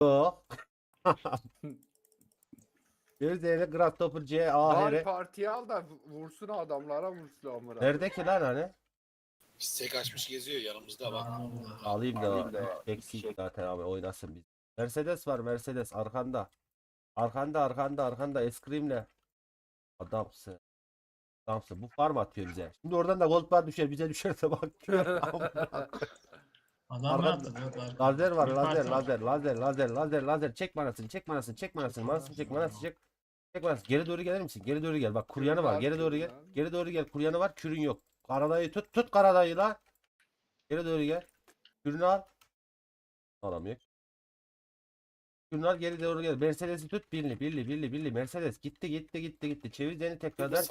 Yok. Gözdeyle Grasshopper C A Val H. partiye al da vursun adamlara vursun amına. Nerede ki lan hani? Stek açmış geziyor yanımızda bak. Alayım Alayım da da eksik zaten abi oynasın biz. Mercedes var Mercedes arkanda. Arkanda eskrimle. Adamsın. Adamsın. Bu farm atıyor bize. Şimdi oradan da gold bar düşer bize düşerse bak. Adam ne Arkada yaptı? Yok, lazer var Bir lazer parti var. lazer çek manasını manasını çek. Çek manasını geri doğru gelir misin? Geri doğru gel bak kuryanı var geri doğru gel. Geri doğru gel kuryanı var kürün yok. Karadayı tut karadayı la. Geri doğru gel. Kürünü al. Alamıyor. Kürünü al geri doğru gel. Mercedes'i tut birli Mercedes gitti. Çevir seni tekrardan.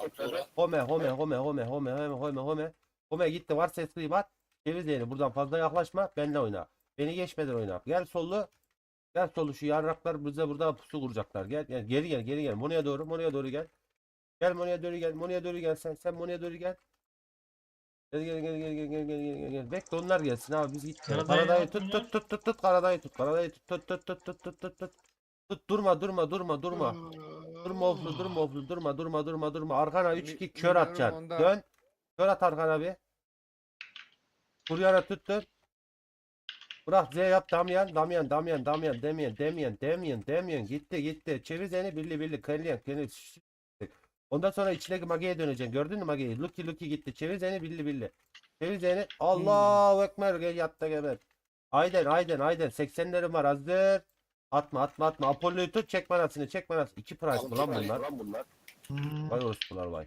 Home gitti var sesli bat. Çevir seni buradan fazla yaklaşma benle oyna. Beni geçmeden oyna. Gel sollu. Gel sollu şu yarraklar bize burada pusu kuracaklar. Gel geri gel. Mono'ya doğru gel. Gel Mono'ya doğru gel sen Mono'ya doğru gel. Gel. Bekle onlar gelsin abi biz gittik. Karadayı Karadayı atmıyor. tut Karadayı tut. Karadayı tut. Durma. Durma. Arkana 3-2 kör Milyonum atacaksın. onda. Dön. Kör at arkana bir. Kuryana tut. Bırak Z yap Damyan gitti. Çevir seni birli. Kelly. Ondan sonra içindeki Mage'ye döneceksin. Gördün mü Mage'yi? Lucky gitti. Çevir seni birli. Çevir seni. Allahu Ekber. Gel yatta geber. Aynen. 80'lerim var hazır. Atma. Apollo'yu tut. Çek manasını. 2 price mı lan bunlar? Vay orospular vay.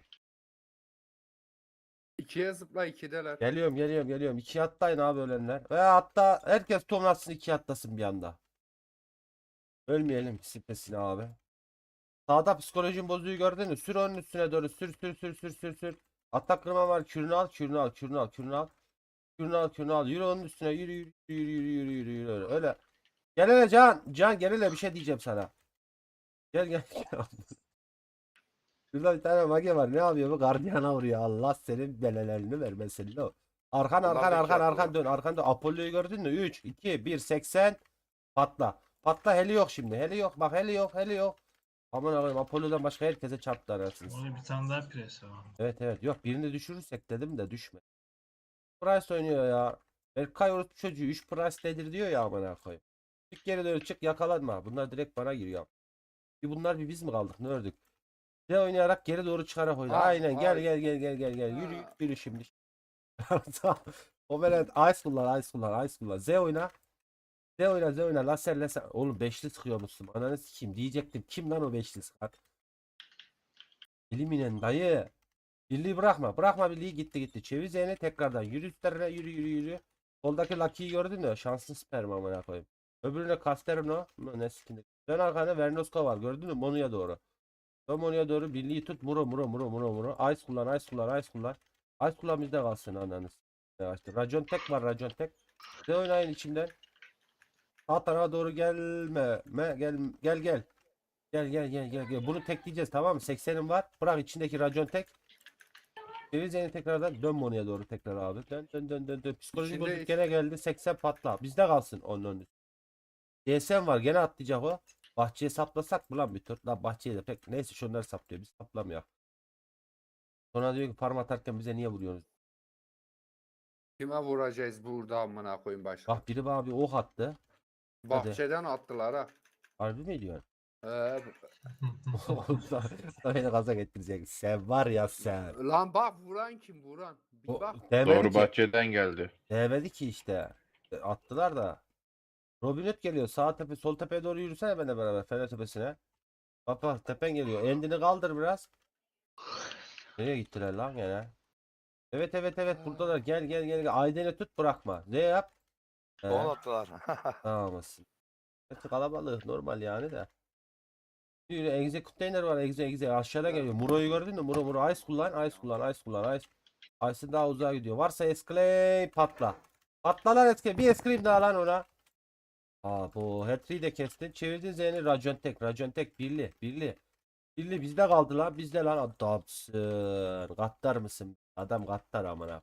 2'ye zıpla 2'deler. Geliyorum. 2 atlayın abi ölenler. Ve hatta herkes tonlatsın 2 atlasın bir anda. Ölmeyelim sipesine abi. Sağda psikolojin bozuğu gördün mü? Sür onun üstüne doğru. Sür. Atak kırma var. Kürünü al. Yürü onun üstüne. Yürü. Öyle. Gel hele Can gel hele bir şey diyeceğim sana. Gel. Şurada bir tane mage var. Ne yapıyor bu? Gardiyana vuruyor. Allah senin belelerini vermesin. O. Arkan dön. Apollo'yu gördün mü? 3, 2, 1, 80. Patla. Heli yok şimdi. Heli yok. Bak heli yok. Aman Allah'ım Apollo'dan başka herkese çarptı arasınız. Orada bir tane daha pres var. Evet. Yok birini düşürürsek dedim de düşme. Price oynuyor ya. Berkay orospu çocuğu 3 price nedir diyor ya aman koyayım. Çık geri doğru çık yakalanma. Bunlar direkt bana giriyor. Bunlar bir biz mi kaldık ne ördük? Ne oynayarak geri doğru çıkarak oyna. Aynen gel. Yürü şimdi. O böyle ice kullan. Z oyna. Laser. Oğlum beşli sıkıyormuşsun. Ananı sikeyim diyecektim. Kim lan o beşli sıkar? Eliminen dayı. Birliği bırakma birliği gitti. Çevir Z'ni tekrardan. Yürü üstlerine yürü. Soldaki Lucky'yi gördün mü? Şanslı sperm amına koyayım. Öbürüne Casterno. Ne sikindi. Dön arkana Vernoska var. Gördün mü? Monu'ya doğru. Dön Monu'ya doğru. Birliği tut. Muro. Ice kullan. Ice kullan bizde kalsın ananız. İşte Racon tek var. Ne oynayın içimden. Sağ tarafa doğru gelme. Gel. Bunu tekleyeceğiz tamam mı? 80'im var. Bırak içindeki racon tek. Denizli'ye tekrardan dön Monu'ya doğru tekrar abi. Dön. Psikolojik İçinde bozuk gene geldi. 80 patla. Bizde kalsın onun önü. DSM var gene atlayacak o. Bahçeye saplasak mı lan bir tur? Lan bahçeye de pek. Neyse şunları saplıyor. Biz saplamıyor. Sonra diyor ki parma atarken bize niye vuruyorsunuz? Kime vuracağız burada amına koyayım başka? Bak biri bana bir ok attı. Bahçeden attılar ha. Harbi mi diyorsun? Ee, Beni gaza getirecek. Sen var ya sen. lan bak vuran kim vuran? Bir O, bak. değmedi Doğru ki. bahçeden geldi. Değmedi ki işte. Attılar da. Robin Hood geliyor. Sağ tepe, sol tepeye doğru yürüsene benimle beraber. Fener tepesine. Bak tepen geliyor. Endini kaldır biraz. Nereye gittiler lan gene? Evet buradalar. Gel. Ayden'i tut bırakma. Ne yap? Son attılar. Tamamsın. Hepsi kalabalık normal yani de. Yürü executainer var. Exe aşağıda geliyor. Muro'yu gördün mü? Muro. Ice kullan. Ice'ın daha uzağa gidiyor. Varsa escalate patla. Patla lan escalate. Bir escalate daha lan ona. Bu Hattri'yi de kestin. Çevirdin Z'ni Racon tek birli. Bizde kaldı lan. Bizde lan adamsın. Gattar mısın? Adam gattar amına.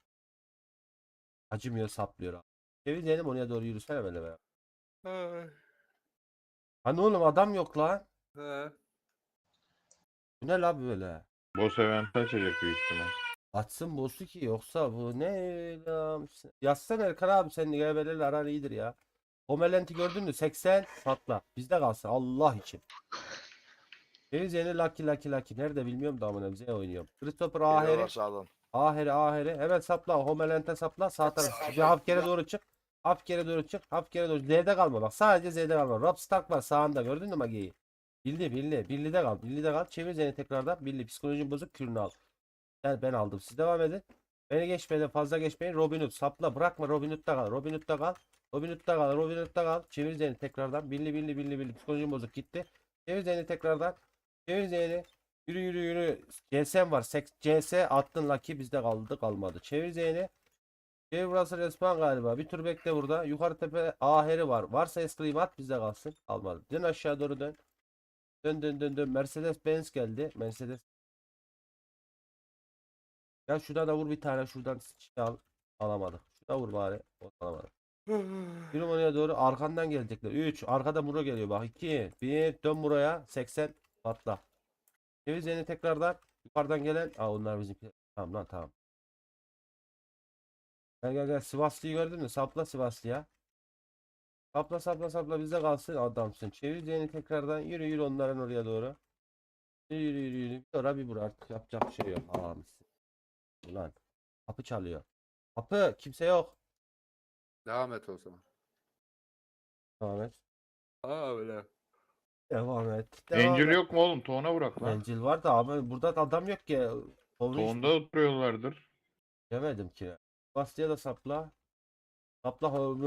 Acımıyor saplıyor abi. Çevir Z'ni oraya doğru yürüsene böyle be. Hani oğlum adam yok lan. He. Bu ne la böyle? Boss event açacak büyük ihtimal. Açsın boss'u ki yoksa bu ne lan? Yazsana Erkan abi senin GB'lerle aran iyidir ya. Homelent'i gördün mü? 80 patla. Bizde kalsın Allah için. Deniz yeni Lucky. Nerede bilmiyorum da amına bize oynuyorum. Christopher Geliyorlar Aheri. sağdan. Aheri. Hemen sapla. Homelent'e sapla. Sağ taraf. Bir hafif geri doğru çık. Hafif geri doğru çık. Hafif geri doğru. Z'de kalma bak. Sadece Z'de kalma. Rob Stark var sağında. Gördün mü Magi'yi? Bildi. Birli'de kal. Birli'de kal. Çevir seni tekrardan. Birli. Psikolojin bozuk. Kürünü al. Ben aldım. Siz devam edin. Beni geçmeden fazla geçmeyin. Robin Hood sapla. Bırakma Robin Hood'da kal. Robin Hood'da kal. Çevir seni tekrardan. Birli. Psikolojin bozuk gitti. Çevir seni tekrardan. Çevir seni. Yürü. CS'm var. CS attın Lucky bizde kalmadı. Çevir Z'ni. Çevir burası respawn galiba. Bir tur bekle burada. Yukarı tepe aheri var. Varsa eskrim at bizde kalsın. Almadı. Dön aşağı doğru dön. Dön. Mercedes Benz geldi. Mercedes. Ya şuradan da vur bir tane. Şuradan şey al. Alamadık. Şurada vur bari. Alamadık. Yürü oraya doğru. Arkandan gelecekler. 3. Arkada Muro geliyor bak. 2. 1. Dön buraya. 80. Patla. Çevir Z'ni tekrardan. Yukarıdan gelen. Aa onlar bizimki. Tamam lan tamam. Gel. Sivaslı'yı gördün mü? Sapla Sivaslı'ya. Sapla bizde kalsın adamsın. Çevir Z'ni tekrardan. Yürü onların oraya doğru. Yürü. Bir ora bir bura artık yapacak bir şey yok. Aa misin. Ulan. Kapı çalıyor. Kapı kimse yok. Devam et o zaman. Devam et. Aa öyle. Devam et. Angel yok mu oğlum? Toğuna bırak lan. Angel var da abi burada da adam yok ki. Toğunda oturuyorlardır. Demedim ki. Bastıya da sapla. Sapla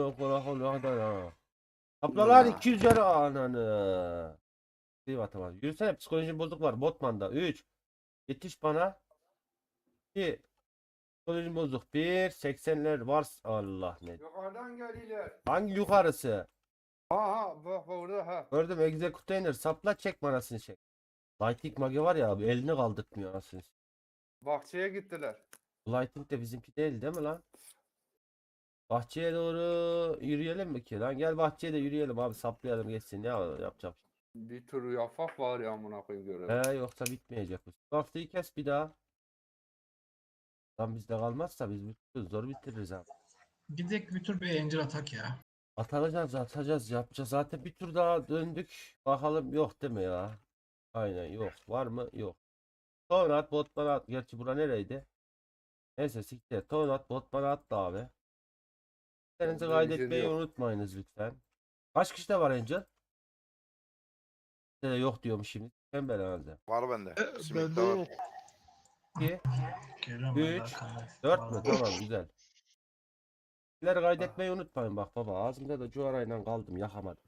Sapla lan 200 lira ananı. Bir atamadım. Yürüsene psikolojim bozuk var. Botman'da. 3. Yetiş bana. 2. Psikolojim bozuk. 1. 80'ler var. Allah ne. Yukarıdan geliyorlar. Hangi yukarısı? Aha bak burada ha. Gördüm Executainer. Sapla çek manasını çek. Lightning Mage var ya abi. Elini kaldırtmıyor anasını. Bahçeye gittiler. Lightning de bizimki değil mi lan? Bahçeye doğru yürüyelim mi ki lan? Gel bahçeye de yürüyelim abi saplayalım geçsin. Ne yapacağım? Bir tür yapak var ya amına koyayım görelim. Yoksa bitmeyecek bu. Haftayı kes bir daha. Lan bizde kalmazsa biz zor bitiririz abi. Gidek bir tur bir Angel atak ya. Atacağız yapacağız. Zaten bir tur daha döndük. Bakalım yok değil mi ya? Aynen yok. Var mı? Yok. Tonat botman at. Gerçi bura nereydi? Neyse siktir. Tonat botman attı abi. Kendinizi Bende vision kaydetmeyi yok. unutmayınız lütfen. Kaç kişide var Angel? Yok diyormuş şimdi. Ben herhalde. Var bende. Simit Bende de var. yok. 2, Geliyorum ben de 3, arkamda. 4 mü? Vallahi. Tamam güzel. Sizleri kaydetmeyi unutmayın bak baba. Ağzımda da cuvarayla kaldım yakamadım.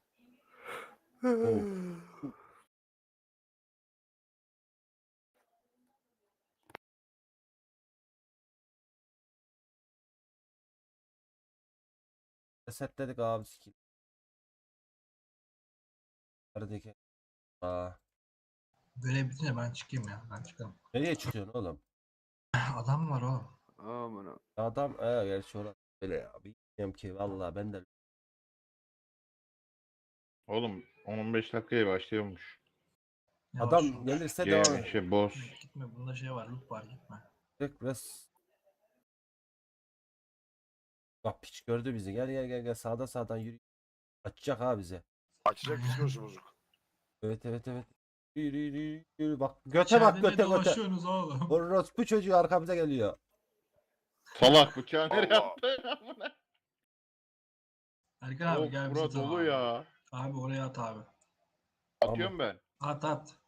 Resetledik abi skill. Neredeki? Aa, Görev bitince ben çıkayım ya. Ben çıkarım. nereye çıkıyorsun oğlum? Adam var o. Amına. Adam gerçi orası böyle ya. Bilmiyorum ki vallahi ben de Oğlum 10-15 dakikaya başlıyormuş. Yavaş adam ol. gelirse devam et. Boss. Gitme bunda şey var. Loot var gitme. Direkt Bak piç gördü bizi. Gel sağdan yürü. Açacak ha bize. Açacak psikolojisi bozuk. Evet. Yürü. Bak göte bak İçeride ne göte. dolaşıyorsunuz oğlum? Orospu çocuğu arkamıza geliyor. Salak bıçağı nereye Allah. attı? Erkan abi Of gel bura bizi dolu ya. Abi oraya at abi. Atıyorum ben. At.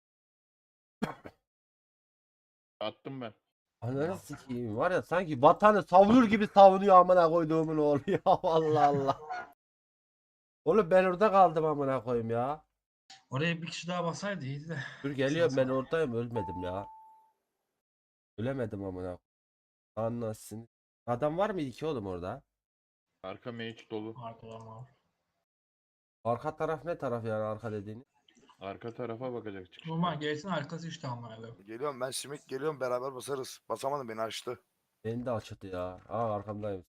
Attım ben. Ananı sikeyim var ya sanki vatanı savunur gibi savunuyor amına koyduğumun oğlu ya Allah Allah. Oğlum ben orada kaldım amına koyayım ya. Oraya bir kişi daha basaydı iyiydi de. Dur geliyorum ben oradayım ölmedim ya. Ölemedim amına. Anlasın. Adam var mıydı ki oğlum orada? Arka mage dolu. Arkadan var. Arka taraf ne taraf yani arka dediğini? Arka tarafa bakacak çıkış. Normal gelsin arkası işte amına koyayım. Geliyorum ben simit geliyorum beraber basarız. Basamadım beni açtı. Beni de açtı ya. Arkamdayım.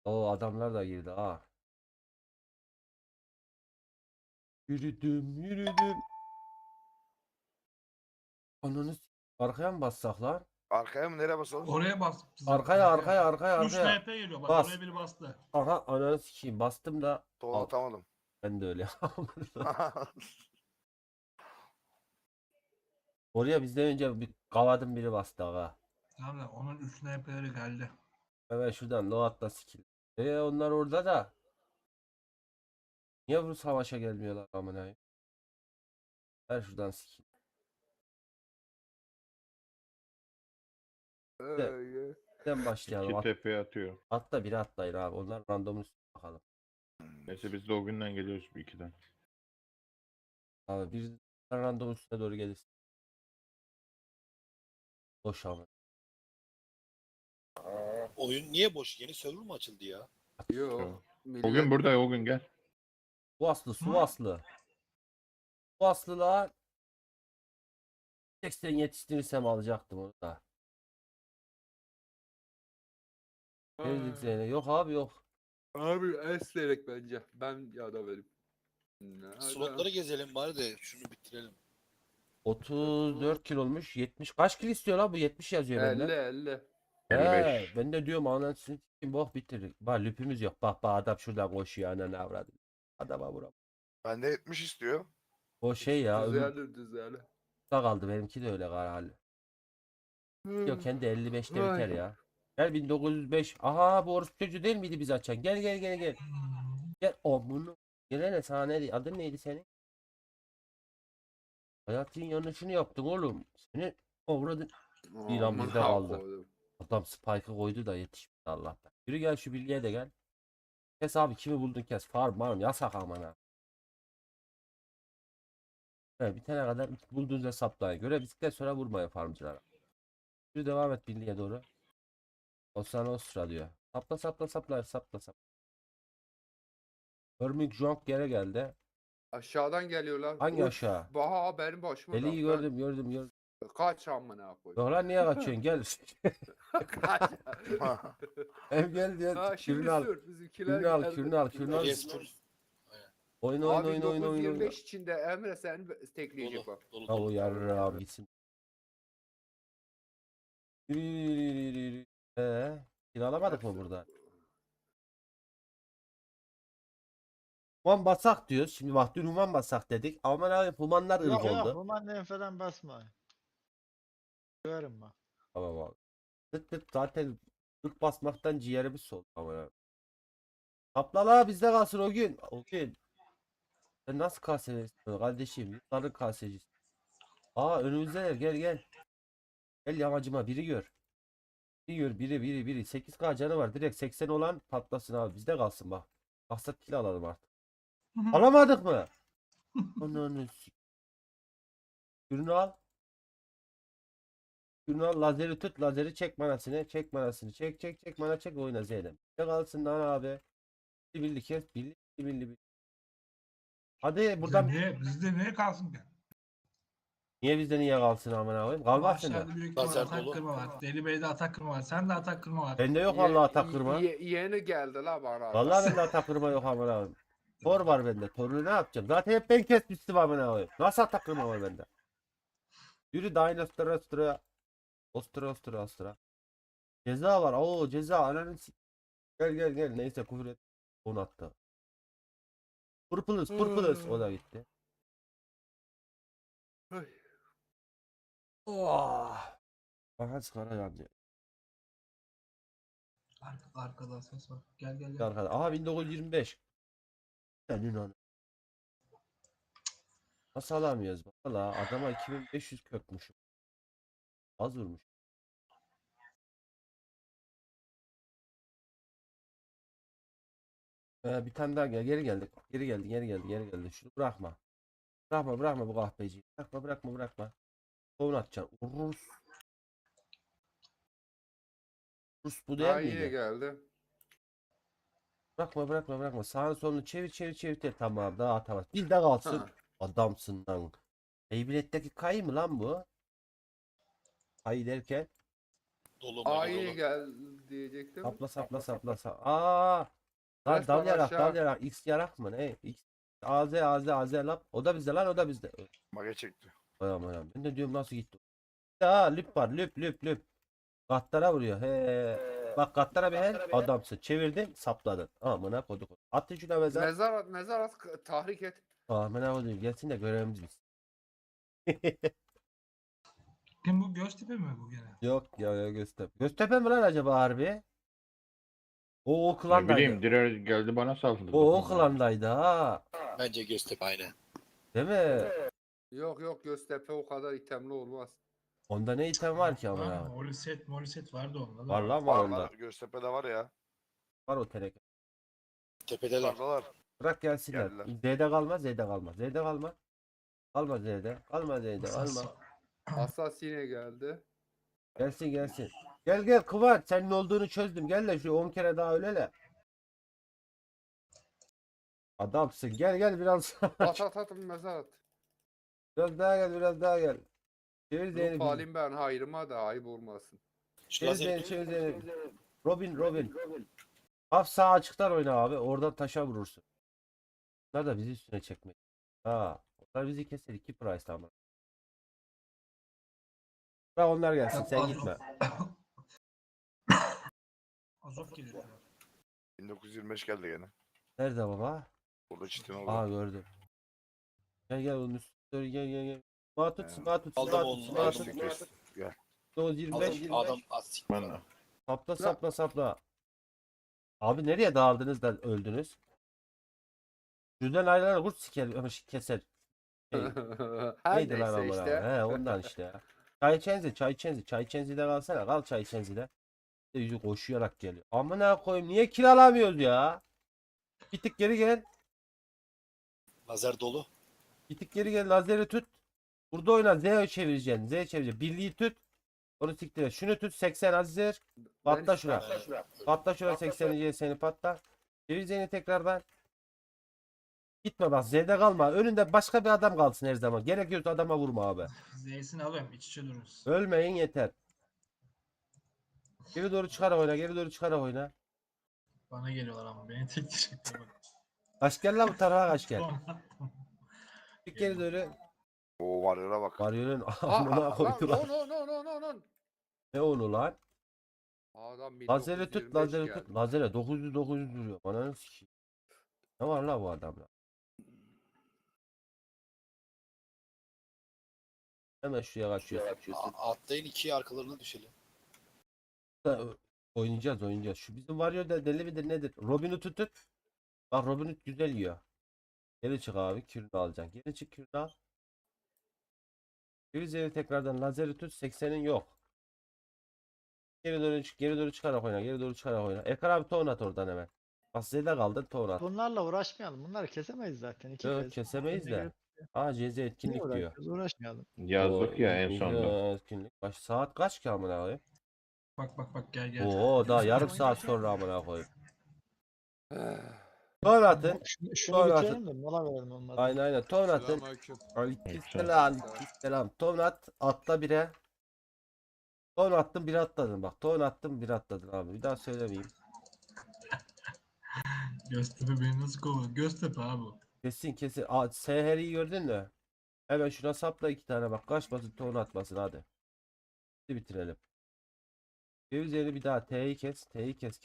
O adamlar da girdi ha. Yürüdüm yürüdüm. Ananı arkaya mı bassak lan? Arkaya mı nereye basalım? Oraya bas. Arkaya arkaya arkaya 3 arkaya. NP geliyor bak. Bas. Oraya biri bastı. Aha ananı sikeyim bastım da. Doğru Al, atamadım. ben de öyle. Oraya bizden önce bir kavadım biri bastı aga. Tamam da onun 3 NP'leri geldi. Hemen şuradan Loat'la skill. Onlar orada da. Niye bu savaşa gelmiyorlar amına koyayım? Ver şuradan skill. Sen başlayalım. İki tepeye atıyor. Atla biri atlayın abi. Onlar random üstüne bakalım. Neyse biz de o günden geliyoruz bir ikiden. Abi bir random üstüne doğru gelirsin. Boş ama. Oyun niye boş? Yeni server mı açıldı ya? Yok. O gün burada o gün gel. Su aslı su Hı? aslı. Su aslı lan. 80 yetiştirirsem alacaktım onu da. Verdik Zeynep. Yok abi yok. Abi eslerek bence. Ben ya da verim. Slotları gezelim bari de şunu bitirelim. 34 kilo olmuş. 70 kaç kilo istiyor lan bu? 70 yazıyor 50 bende. 50. 55. Ben de diyorum anasını s**eyim bok bitirdik. Bak lüpümüz yok. Bak adam şuradan koşuyor ananı avradı. Adama vuram. Bende 70 istiyor. O şey ya öbür Düzelir düzelir. da kaldı benimki de öyle hali. Yok kendi 55'te biter Ay. ya. Gel 1905. Aha bu orospu çocuğu değil miydi biz açan? Gel gel gel gel. Gel o bunu. Gelene sana ne adın neydi senin? Hayatın yanlışını yaptın oğlum. Seni avradın. İlan Aman bizde ha kaldı. koydum. Adam spike'ı koydu da yetişmedi Allah'tan. Yürü gel şu bilgiye de gel. Kes abi kimi buldun kes. Farm marm yasak aman ha. Evet, bitene kadar bulduğunuz hesaplayın. Göre bisiklet sonra vurmayın farmcılara. Yürü devam et bilgiye doğru. O sana o sıra diyor. Sapla sapla sapla sapla sapla. Hermik Jong geri geldi. Aşağıdan geliyorlar. Hangi Uf, aşağı? Baha benim başıma Deliği da. gördüm gördüm gördüm. Kaç amına koydum. Yok lan niye kaçıyorsun gel. Kaç. Hem gel diyor. Ha, şimdi Kürünü al. sür. Bizimkiler Kürünü al geldi. kürünü al kürünü al. Yes full. Oyun oyun Abi oyun oyun oyun. 925 içinde Emre sen tekleyecek Dolu. bak. Dolu Ha o dolu. yarrağım gitsin. Yürü yürü yürü yürü. Kiralamadık mı burada? Human basak diyoruz. Şimdi bak dün human basak dedik. Aman abi humanlar ırk Yok yok oldu. Roman falan basma. Görüm bak. Tamam abi. Tık tık zaten ırk basmaktan ciğerimiz soldu aman abi. Kapla la bizde kalsın o gün. O gün. Sen nasıl kasecisin kardeşim? Yurtların kasecisi. Aa önümüzdeler gel gel. Gel yamacıma biri gör. Biri gör biri. 8K canı var. Direkt 80 olan patlasın abi. Bizde kalsın bak. Maksat kill alalım artık. Alamadık mı? Ananı Ürünü al. Ürünü al. Lazeri tut. Lazeri çek manasını. Çek manasını. Çek mana çek oyna Zeynep. Ne kalsın lan abi. Birli kes. Birli. Hadi buradan. Bizde niye kalsın ki? Niye bizde niye kalsın amına koyayım? Kalmaz sende. Aşağıda büyük ihtimal Lazer atak dolu. kırma var. Deli Bey'de atak kırma var. Sen de atak kırma var. Bende yok vallahi atak kırma. Yeni geldi la bana. Vallahi bende atak kırma yok amına koyayım. Tor var bende. Torunu ne yapacağım? Zaten hep ben kesmiştim amına koyayım. Nasıl atak kırma var bende? Yürü Dynastra. Ostra. Ceza var. Oo ceza ananı gel. Neyse küfür et. Onu attı. Purples. O da gitti. Ay. Oh. Aha sigara yandı. Arkada ses var. Gel. Arkada. Aha 1925. Senin onu. Nasıl alamıyoruz? Valla adama 2500 kökmüş. Az vurmuş. Bir tane daha gel. Geri geldik. Geri geldi. Şunu bırakma. Bırakma bu kahpeciyi. Bırakma. Kovun atacaksın. Rus bu değil Ha yine miydi? geldi. Bırakma. Sağını solunu çevir. Tamam daha atamaz. Bir de kalsın. Ha. Adamsın lan. Beyblade'deki kayı mı lan bu? Kayı derken. Dolu magi Ay dolu. gel diyecektim. Sapla sapla sapla sapla. Aa! Lan Resmen dal yarak aşağı. dal yarak. X yarak mı ne? X. AZ lap. O da bizde lan o da bizde. Mage çekti. Anam anam. Ben de diyorum nasıl gitti. Aa lüp var lüp lüp lüp. Gattara vuruyor. He. Bak gattara bir he. Adamsın. Çevirdin sapladın. Amına koduk. At şuna mezar. Mezar tahrik et. Amına koduk. Gelsin de görevimiz biz. Kim bu Göztepe mi bu gene? Yok ya Göztepe. Göztepe mi lan acaba harbi? O Ne klandaydı. bileyim Direr geldi bana saldırdı. O klandaydı ha. Bence Göztepe aynı. Değil mi? Yok Göztepe o kadar itemli olmaz. Onda ne item var ki ama ya? Moliset vardı onda da. Var lan var Var onda. var. Göztepe'de var ya. Var o teneke. Tepedeler. Yukarıdalar. Bırak gelsinler. Geldiler. Z'de kalma, Z'de kalma. Z'de kalma. Kalma Z'de. Kalma Z'de. Kalma. Asasine geldi. Gelsin gelsin. Gel gel Kıvanç. Senin olduğunu çözdüm. Gel de şu 10 kere daha ölele. Adamsın. Gel gel biraz. At mezar at. Biraz daha gel biraz daha gel. Çevir Ruh Zeynep'i. halim ben hayrıma da ayıp olmasın. Şu Çevir lazer Zeynep'i. Çevir Zeynep'i. Robin. Haf sağ açıktan oyna abi. Oradan taşa vurursun. Bunlar da bizi üstüne çekmek. Ha. Onlar bizi keser. 2 price ama. Bırak onlar gelsin. Sen gitme. Azov geliyor. 1925 geldi gene. Nerede baba? Burada çitin oldu. Aa gördüm. Gel onun üstüne gel. Smatut. Aldım onu, aldım. Gel. 925. adam at. Ben Sapla. Abi nereye dağıldınız da öldünüz? Düzden ayrılan kurt siker ama keser. Şey, Her neydi lan neyse amına? işte. He ondan işte ya. Çay Chenzi'de kalsana. Kal Çay Chenzi'de. Yüzü koşuyarak geliyor. Amına koyayım niye kiralamıyoruz ya? Bir tık geri gel. Lazer dolu. Bir tık geri gel. Lazeri tut. Burada oyna. Z çevireceksin. Birliği tut. Onu siktir et. Şunu tut. 80 hazır. Patla şuna. Patla şuna 80'i seni patla. Çevir Z'ni tekrardan. Gitme bak Z'de kalma. Önünde başka bir adam kalsın her zaman. Gerekiyorsa adama vurma abi. Z'sini alıyorum iç içe dururuz. Ölmeyin yeter. Geri doğru çıkarak oyna. Bana geliyorlar ama beni tek diyecekler bak. Kaç gel lan bu tarafa kaç gel. Bir geri doğru. Oo varyola bak. Varyonun amına koydular. No. Ne onu lan? Adam Lazeri tut 1925 lazeri geldi. tut. Lazere 900 duruyor. Bana ne sikeyim. Ne var la bu adamla? Hemen şuraya kaçıyorsun. Atlayın ikiye arkalarına düşelim. Oynayacağız. Şu bizim Warrior da deli midir nedir? Robin'i tut. Bak Robin güzel yiyor. Geri çık abi. Kürünü alacaksın. Geri çık kürünü al. Üzeri tekrardan lazeri tut. 80'in yok. Geri doğru çıkarak oyna. Ekar abi ton at oradan hemen. Bak Z'de kaldın ton at. Bunlarla uğraşmayalım. Bunları kesemeyiz zaten. İki Yok kez. kesemeyiz de. Aa CZ Niye etkinlik diyor. uğraşıyoruz? Uğraşmayalım. yazdık ya en sonunda. Etkinlik. Saat kaç ki amına koyayım? Bak gel. Oo daha yarım saat sonra amına koyayım. Ton atın. Şunu Sonra bitirelim de mola verelim olmadı. Aynen ton atın. Aleykümselam. Ton at. Atla bire. Ton attım bir atladın bak. Ton attım bir atladın abi. Bir daha söylemeyeyim. Göztepe beni nasıl kovuyor? Göztepe abi. Kesin. Seher'i gördün mü? Hemen şuna sapla 2 tane bak. Kaçmasın ton atmasın hadi. Hadi bitirelim. Üzeri bir daha T'yi kes. Kes.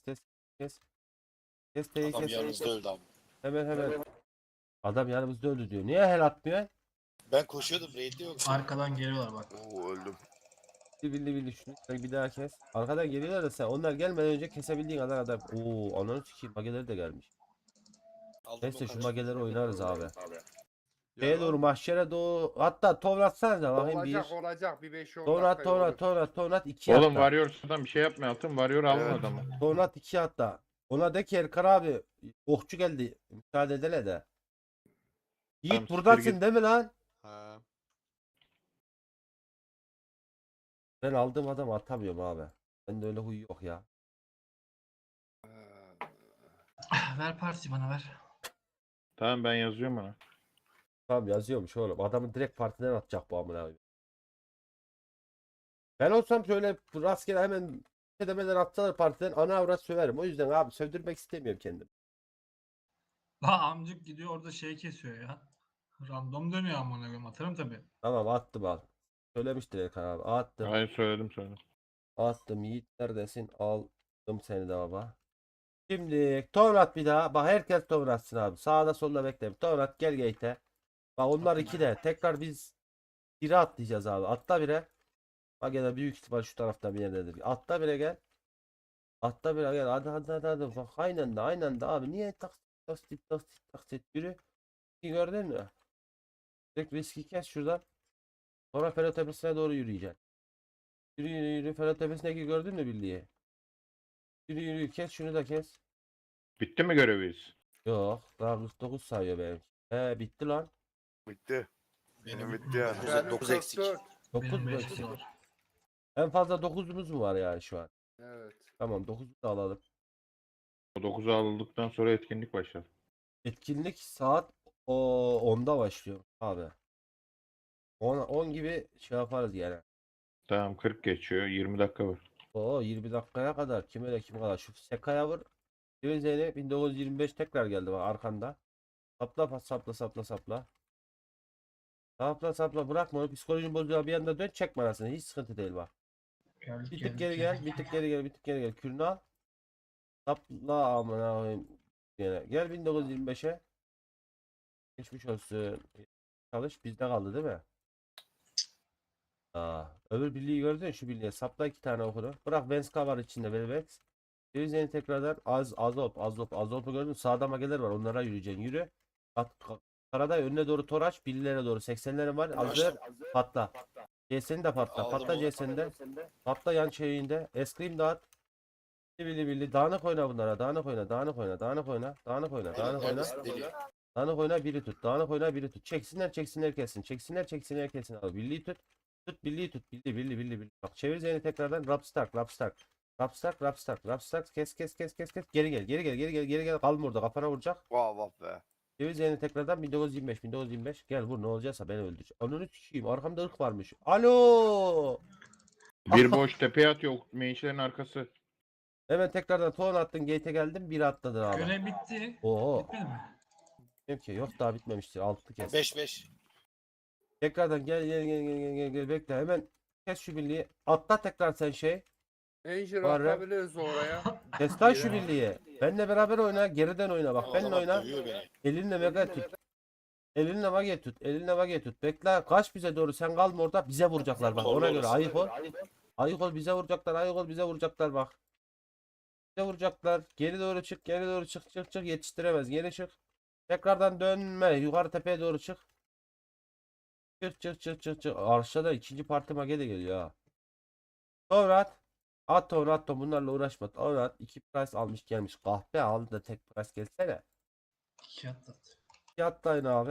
Kes T'yi Adam kes. yanımızda öldü abi. Hemen. Adam yanımızda öldü diyor. Niye hel atmıyor? Ben koşuyordum. Raid'de yok. Arkadan geliyorlar bak. Oo öldüm. Bildi şunu. Bir daha kes. Arkadan geliyorlar da sen onlar gelmeden önce kesebildiğin kadar adam. Oo ananı sikeyim. Mageleri de gelmiş. Aldım Neyse o şu kaç. mageleri oynarız abi. Şeye doğru mahşere doğru. Hatta ton atsanıza bakayım bir. Olacak bir 5-10 Ton at 2 Oğlum hatta. Warrior sıradan bir şey yapmıyor altın. Warrior alın Evet. adamı. Ton at 2 hatta. Ona de ki Erkar abi. Okçu geldi. Müsaade edene de. Yiğit Tamam, siktir buradasın git. değil mi lan? Ha. Ben aldığım adamı atamıyorum abi. Bende öyle huy yok ya. Ver parti bana ver. Tamam ben yazıyorum ona. Tamam yazıyormuş oğlum. Adamı direkt partiden atacak bu amına koyayım. Ben olsam şöyle rastgele hemen demeden atsalar partiden ana avrat söverim. O yüzden abi sövdürmek istemiyorum kendim. La amcık gidiyor orada şey kesiyor ya. Random dönüyor amına koyayım. Atarım tabii. Tamam attım al. Söylemiştir Erkan abi. Attım. Hayır söyledim. Attım. Yiğit neredesin? Aldım seni de baba. Şimdi Tonrat bir daha. Bak herkes Tonrat'sın abi. Sağda solda bekleyin. Tonrat gel gate'e. Bak onlar iki de. Tekrar biz bire atlayacağız abi. Atla bire. Bak ya da büyük ihtimal şu tarafta bir yerdedir. Atla bire gel. Atla bire gel. Hadi. Bak aynen de abi. Niye taksit yürü. Gördün mü? Direkt riski kes şuradan. Sonra Ferro Tepesi'ne doğru yürüyeceksin. Yürü. Ferro Tepesi'ndeki gördün mü birliği? Yürü. Kes şunu da kes. Bitti mi göreviz? Yok. Daha 49 sayıyor benim. He bitti lan. Bitti. Benim bitti yani. Ben 9 eksik. 9 Benim mu? 5 kişi var. En fazla 9'umuz mu var yani şu an? Evet. Tamam 9'u da alalım. O 9'u aldıktan sonra etkinlik başladı. Etkinlik saat 10'da başlıyor abi. 10 gibi şey yaparız yani. Tamam 40 geçiyor. 20 dakika var. 20 dakikaya kadar kim öyle kim kadar. Şu Sekaya vur. Zeynep 1925 tekrar geldi bak arkanda. Sapla. Sapla bırakma onu psikolojin bozuyor bir anda dön çek manasını hiç sıkıntı değil bak. Geldik, Bir tık geldik, geri geldik. gel bir tık geri gel kürünü al. Sapla amına koyayım. Gel 1925'e. Geçmiş olsun. Çalış bizde kaldı değil mi? Öbür birliği gördün şu birliğe sapla 2 tane okunu. Bırak Venska var içinde Velvex. Yeni tekrardan Azop'u gördün mü? Sağda mageler var onlara yürüyeceksin yürü. Karaday önüne doğru toraç birliğlere doğru 80'lerin var hazır patla. CS'ni de patla. Aldım Patla onu. CS'ni de. Patla yan şeyinde. Eskrim dağıt. Billi. Dağınık oyna bunlara. Dağınık oyna. Neredesin deli? Dağınık oyna biri tut. Dağınık oyna biri tut. Çeksinler kesin. Çeksinler kesin abi. Birliği tut. Birliği tut. Billi. Bak çevir zeyni tekrardan. Rapstark. Kes. Geri gel. Kalma orada. Kafana vuracak. Vah be. Çevir zeyni tekrardan 1925. Gel vur ne olacaksa beni öldür. Ananı sikeyim. Arkamda ırk varmış. Alo. Bir boş tepeye atıyor. Meyişlerin arkası. Hemen tekrardan ton attın. Gate'e geldim. Biri atladın abi. Görev bitti. Oo. Bitmedi mi? Dedim ki yok daha bitmemiştir. 6 kez. 5. Tekrardan gel bekle hemen kes şu birliği. Atla tekrar sen şey. Angel Var ya. atabiliriz oraya. Kes lan şu birliği. Benle beraber oyna. Geriden oyna. Bak benimle Adam oyna. dövüyor beni. Elinle mega tut. Elinle mage tut. Bekle. Kaç bize doğru. Sen kalma orada. Bize vuracaklar bak. Ona göre ayık ol. Ayık ol bize vuracaklar bak. Bize vuracaklar. Geri doğru çık. Yetiştiremez. Geri çık. Tekrardan dönme. Yukarı tepeye doğru çık. Çık. Aşağıda ikinci parti mage de geliyor ha. Tonrat. At Tonrat. Bunlarla uğraşma. Tonrat 2 price almış gelmiş. Kahpe aldı da tek price gelsene. 2 atlat. Atlayın abi.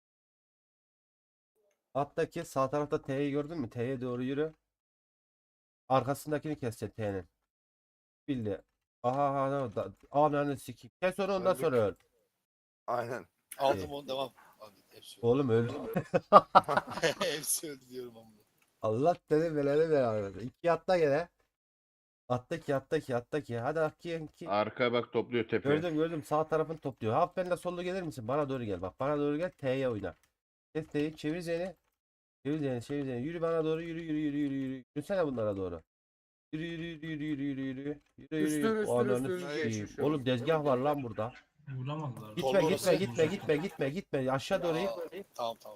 Alttaki sağ tarafta T'yi gördün mü? T'ye doğru yürü. Arkasındakini keseceksin T'nin. Bildi. Ananı sikeyim. Kes onu ondan Öldük. sonra öl. Aynen. Aldım onu devam. Abi, hepsi öldü. Oğlum öldü. Hepsi öldü diyorum ama. Allah seni beleni ver. 2 atla gene. Atla ki. Hadi ki. Arka bak topluyor tepeye. Gördüm. Sağ tarafını topluyor. Hafif ben de solda gelir misin? Bana doğru gel. Bak bana doğru gel. T'ye oyna. Kes T'yi. Çevir seni. Yürü bana doğru. Yürü. Yürüsene bunlara doğru. Yürü. Üstüne, Ananı üstüne sikeyim. geçmiş Oğlum olsun. dezgah var lan burada. Vuramadılar. Gitme. Aşağı doğru. Tamam.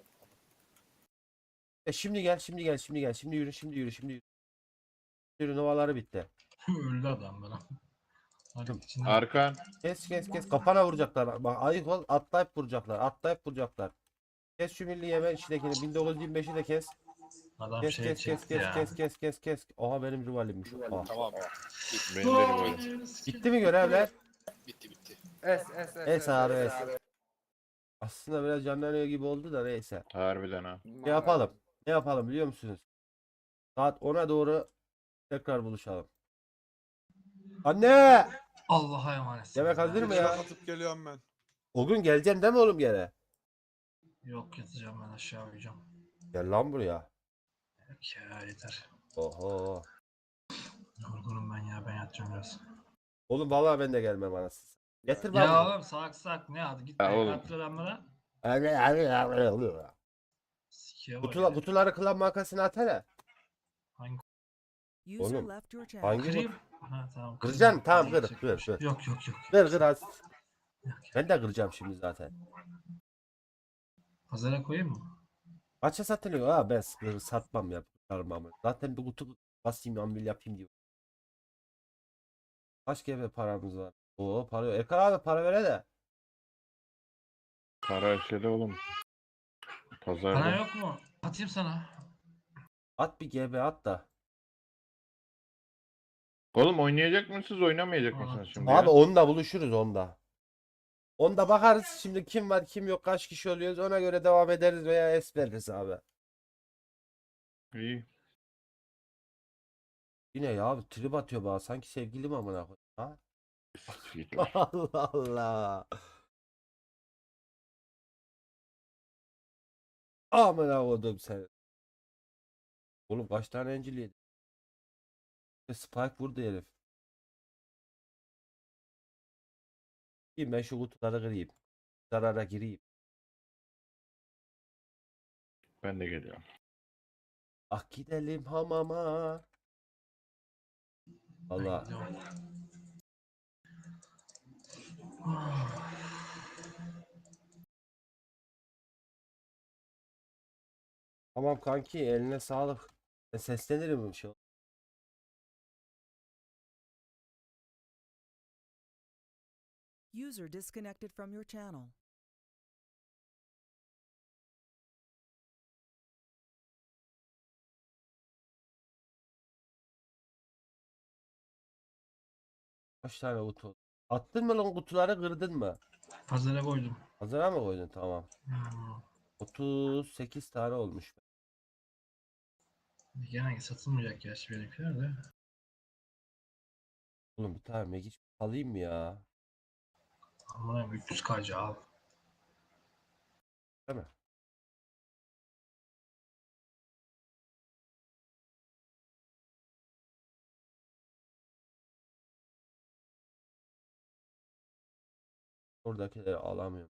Şimdi gel. Şimdi yürü. Yürü novaları bitti. Öldü adam bana. Hadi içinden. Arkan. Kes. Kafana vuracaklar. Bak ayık ol. Atlayıp vuracaklar. Kes şu milli yeme içindekini. 1925'i de kes. Adam Kes. şey çekti ya. Kes. Oha benim rivalimmiş. Oha. Tamam. Benim derim öyle. Bitti mi görevler? Bitti. Es abi es. Aslında biraz canlanıyor gibi oldu da neyse. Harbiden ha. Ne yapalım biliyor musunuz? Saat 10'a doğru tekrar buluşalım. Anne! Allah'a emanet. Yemek hazır mı ya? Atıp geliyorum ben. O gün geleceksin değil mi oğlum gene? Yok yatacağım ben aşağı uyuyacağım. Gel lan buraya. Yok ya yeter. Oho. Yorgunum ben ya, ben yatacağım biraz. Oğlum vallahi ben de gelmem anasını. Getir Ya bak. oğlum salak ne adı git Ya be oğlum. kalktır lan bana. Sikiye bak Kutular, hele. kutuları kılan makasını at hele. Hangi User Oğlum, left your channel. hangi kırayım? Ha tamam. Kıracaksın, tamam, kır, Yapacak kır, bir şey. kır. Yok yok yok. Kır kır az. Yok, yok. Ben de kıracağım şimdi zaten. Pazara koyayım mı? Kaça satılıyor? Ha ben satmam ya. Sarmam. Zaten bir kutu basayım ambil yapayım diyor. Kaç GB paramız var? Oo para yok. Erkan abi para vere de. Para şeyde oğlum. Bana Pazarda. yok mu? Atayım sana. At bir GB at da. Oğlum oynayacak mısınız oynamayacak Aa, mısınız şimdi Abi ya? onda buluşuruz onda. Onda bakarız şimdi kim var kim yok kaç kişi oluyoruz ona göre devam ederiz veya es veririz abi. İyi. Yine ya abi trip atıyor bana sanki sevgilim amına koyayım. Ha? Git lan. Allah Allah. Amına koydum seni. Oğlum kaç tane encil yedi? Spike vurdu herif. İyi ben şu kutuları kırayım. Zarara gireyim. Ben de geliyorum. Ah gidelim hamama. Ben Allah. gidiyorum. Tamam kanki eline sağlık. Seslenirim bir şey. User disconnected from your channel. Kaç tane kutu? Attın mı lan kutuları kırdın mı? Pazara koydum. Hazıra mı koydun? Tamam. Hmm. 38 tane olmuş. Gene satılmayacak gerçi benimkiler de. Oğlum bir tane Megic alayım mı ya? Ama 300 kc al. Değil mi? Oradakileri alamıyorum.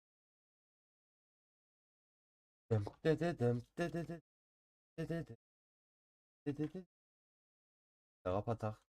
Dem de de dem de de de de de de de de de. Ya kapatak.